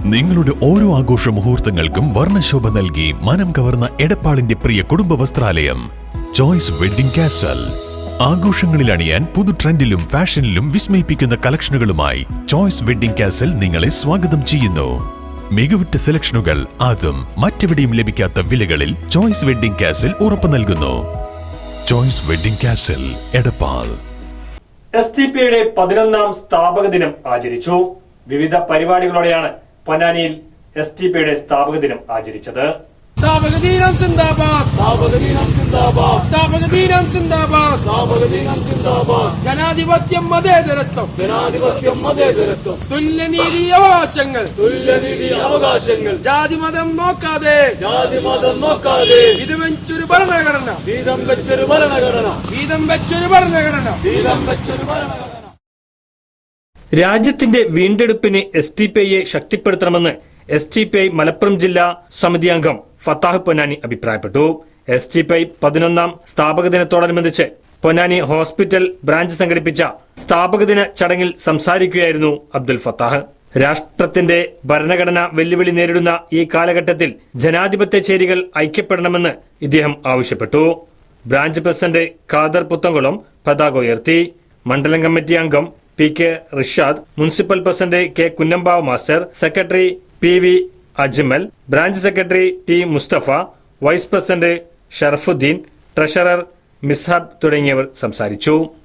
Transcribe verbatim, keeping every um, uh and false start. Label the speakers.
Speaker 1: നിങ്ങളുടെ ഓരോ ആഘോഷ മുഹൂർത്തങ്ങൾക്കും വർണ്ണശോഭ നൽകി മനം കവർന്ന എടപ്പാളിന്റെ പ്രിയ കുടുംബ വസ്ത്രാലയം ചോയ്സ് വെഡ്ഡിംഗ് കാസൽ. ആഘോഷങ്ങളിൽ അണിയാൻ പുതു ട്രെൻഡിലും ഫാഷനിലും വിസ്മയിപ്പിക്കുന്ന കളക്ഷനുകളുമായി ചോയ്സ് വെഡ്ഡിംഗ് കാസൽ നിങ്ങളെ സ്വാഗതം ചെയ്യുന്നു. മികവുറ്റ സെലക്ഷനുകൾ അതും മറ്റെവിടെയും ലഭിക്കാത്ത വിലകളിൽ ചോയ്സ് വെഡ്ഡിംഗ് കാസൽ ഉറപ്പു നൽകുന്നു. Choice wedding castle, Edappal.
Speaker 2: S T പിയുടെ പതിനൊന്നാം സ്ഥാപക ദിനം ആചരിച്ചു. വിവിധ പരിപാടികളോടെയാണ് പൊന്നാനിയിൽ എസ് ടി പിയുടെ സ്ഥാപക ദിനം ആചരിച്ചത്.
Speaker 3: സ്ഥാപക ദിനം സിന്ദാബാദ്, സ്ഥാപക ദിനം സിന്ദാബാദ്, സ്ഥാപക ദിനം സിന്ദാബാദ്, സ്ഥാപക ദിനം സിന്ദാബാദ്. ജനാധിപത്യം മതേതരത്വം, ജനാധിപത്യം മതേതരത്വം. തുല്യനീതി അവകാശങ്ങൾ, തുല്യനീതി അവകാശങ്ങൾ. ജാതി മതം നോക്കാതെ, ജാതി മതം നോക്കാതെ. വീതം വെച്ചൊരു ഭരണഘടന, വീതം വെച്ചൊരു ഭരണഘടന, വീതം വെച്ചൊരു ഭരണഘടന, വീതം വെച്ചൊരു ഭരണഘടന.
Speaker 2: രാജ്യത്തിന്റെ വീണ്ടെടുപ്പിന് എസ് ടി പി ഐയെ ശക്തിപ്പെടുത്തണമെന്ന് S T P I Malappuram ജില്ലാ സമിതി അംഗം ഫത്താഹ് പൊന്നാനി അഭിപ്രായപ്പെട്ടു. എസ് ടി പി ഐ പതിനൊന്നാം സ്ഥാപക ദിനത്തോടനുബന്ധിച്ച് പൊന്നാനി ഹോസ്പിറ്റൽ ബ്രാഞ്ച് സംഘടിപ്പിച്ച സ്ഥാപക ദിന ചടങ്ങിൽ സംസാരിക്കുകയായിരുന്നു അബ്ദുൽ ഫത്താഹ്. രാഷ്ട്രത്തിന്റെ ഭരണഘടന വെല്ലുവിളി നേരിടുന്ന ഈ കാലഘട്ടത്തിൽ ജനാധിപത്യ ചേരികൾ ഐക്യപ്പെടണമെന്ന് ഇദ്ദേഹം ആവശ്യപ്പെട്ടു. ബ്രാഞ്ച് പ്രസിഡന്റ് ഖാദർ പുത്തംകുളം പതാക ഉയർത്തി. മണ്ഡലം കമ്മിറ്റി അംഗം P K Rishad, municipal president K Kunnambav master, secretary P V Ajmal, branch secretary T Mustafa, vice president Sharafuddeen, treasurer Mishab തുടങ്ങിയവർ സംസാരിച്ചു.